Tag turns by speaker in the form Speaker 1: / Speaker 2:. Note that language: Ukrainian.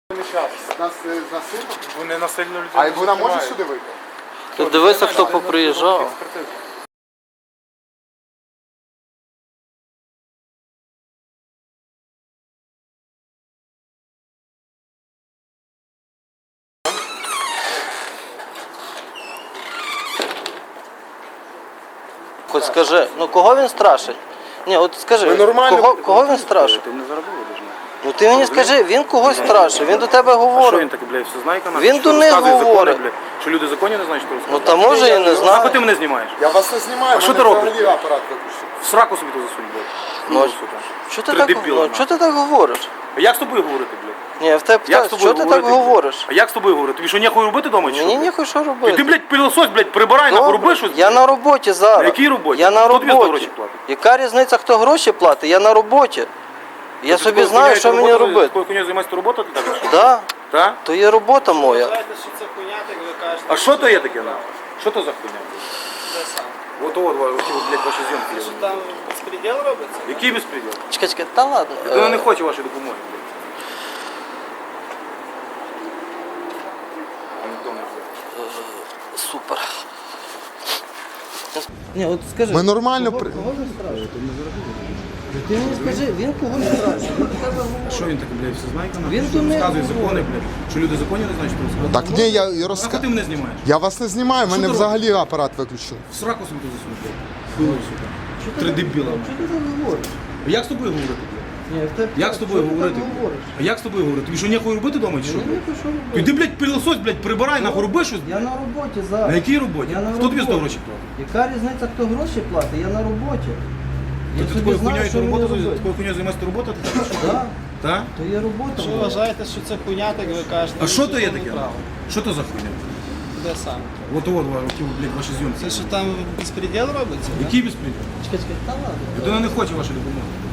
Speaker 1: Нас насильно?
Speaker 2: Вони насильно людей.
Speaker 1: А вона може сюди вийти?
Speaker 3: Ти дивися, хто поприїжджав. Хоч скажи, ну кого він страшить? Ні, от скажи, кого він страшить?
Speaker 2: Ти мене зараз виведеш.
Speaker 3: Ну ти мені скажи, він когось страшить, він до тебе
Speaker 2: А що
Speaker 3: говорить.
Speaker 2: він таке, блядь, все знає канал?
Speaker 3: Він до них говорить.
Speaker 2: Що люди закони не знають, що
Speaker 3: Ну
Speaker 2: розказують?
Speaker 3: та може і не
Speaker 2: Нахуй
Speaker 3: знаю.
Speaker 2: ти мене знімаєш?
Speaker 1: Я вас не знімаю,
Speaker 2: А що
Speaker 1: мене
Speaker 2: ти робиш?
Speaker 1: взагалі апарат виключив.
Speaker 2: В сраку собі то засунь, блядь.
Speaker 3: Ну,
Speaker 2: сука.
Speaker 3: Чого ти
Speaker 2: Три
Speaker 3: так,
Speaker 2: дебіла,
Speaker 3: ну, чого ти так говориш?
Speaker 2: А як з тобою говорити, блядь?
Speaker 3: Ні, я в тебе
Speaker 2: Як з
Speaker 3: питаю,
Speaker 2: тобою
Speaker 3: чого ти так
Speaker 2: говорити?
Speaker 3: говориш?
Speaker 2: А як з тобою говорити? Тобі що, нехуй робити вдома чи що?
Speaker 3: Мені
Speaker 2: блядь?
Speaker 3: ніхуй що
Speaker 2: Ти,
Speaker 3: робити.
Speaker 2: блядь, пилосось, блядь, прибирай, нахуй, роби щось.
Speaker 3: Я на роботі зараз.
Speaker 2: На якій роботі?
Speaker 3: Я на
Speaker 2: Хто тобі за
Speaker 3: роботі.
Speaker 2: гроші платить?
Speaker 3: Яка різниця, хто гроші платить? Я на роботі. Я
Speaker 2: Ти
Speaker 3: собі
Speaker 2: такою
Speaker 3: знаю,
Speaker 2: хуйнею
Speaker 3: що мені
Speaker 2: роботою-
Speaker 3: робити.
Speaker 2: Такою хуйнею займаєшся робота ти так? що?
Speaker 3: Да,
Speaker 2: Так?
Speaker 3: то є робота моя.
Speaker 4: Знаєте, що це хуйня, так ви кажете.
Speaker 2: А що то є таке, нахуй? Що то за хуйня?
Speaker 4: Де сам?
Speaker 2: От, блядь, ваші зйомки.
Speaker 4: Що там безпреділ робиться?
Speaker 2: Який безпреділ?
Speaker 3: Чекай, та ладно.
Speaker 2: Людина не хоче вашої допомоги, блядь.
Speaker 3: Супер. Ні, от скажи.
Speaker 1: Ми нормально
Speaker 3: Кого він страшить? Ти мені скажи, він когось страшить. Він до тебе говорить.
Speaker 2: Що він таке, блядь, все знає канал?
Speaker 3: Він
Speaker 2: Що
Speaker 3: до них
Speaker 2: розказує
Speaker 3: говорить.
Speaker 2: закони, блядь? Що люди закони не знають, що розказують?
Speaker 1: Так ні, я
Speaker 2: Нахуй ти
Speaker 1: розказую.
Speaker 2: мене знімаєш?
Speaker 1: Я вас не знімаю, мене
Speaker 2: ти
Speaker 1: взагалі апарат виключили.
Speaker 2: В сраку собі тут засунь, блядь. Хуйло, сука. Три дебіла.
Speaker 3: Чого ти так говориш?
Speaker 2: А як з тобою говорити, блядь?
Speaker 3: Ні, в тебе
Speaker 2: Як з тобою
Speaker 3: чого ти
Speaker 2: говорити?
Speaker 3: так говориш?
Speaker 2: А як з тобою говорити? Тобі що, нехуй робити вдома чи що?
Speaker 3: Мені ніхуй що робити.
Speaker 2: Ти, блядь, пилосось, блядь, прибирай, нахуй, роби щось.
Speaker 3: Я на роботі зараз.
Speaker 2: На якій роботі?
Speaker 3: Я на
Speaker 2: Хто тобі за
Speaker 3: роботі.
Speaker 2: гроші платить?
Speaker 3: Яка різниця, хто гроші платить? Я на роботі. Я
Speaker 2: Ти
Speaker 3: собі
Speaker 2: такою
Speaker 3: знаю,
Speaker 2: хуйньою
Speaker 3: що мені робити.
Speaker 2: такою хуйньою займаєшся робота, ти так?
Speaker 3: Так,
Speaker 2: Так?
Speaker 3: то є робота
Speaker 4: Якщо ви
Speaker 3: моя.
Speaker 4: вважаєте, що це хуйня, так ви кажете.
Speaker 2: А що то є
Speaker 4: це
Speaker 2: таке?
Speaker 4: неправда.
Speaker 2: Що то за хуйня?
Speaker 4: Де сам?
Speaker 2: От, блядь, ваші зйомки.
Speaker 4: Це що там безпреділ робиться?
Speaker 2: Який безпреділ?
Speaker 3: Чекай, та ладно.
Speaker 2: Людина не хоче вашої допомоги.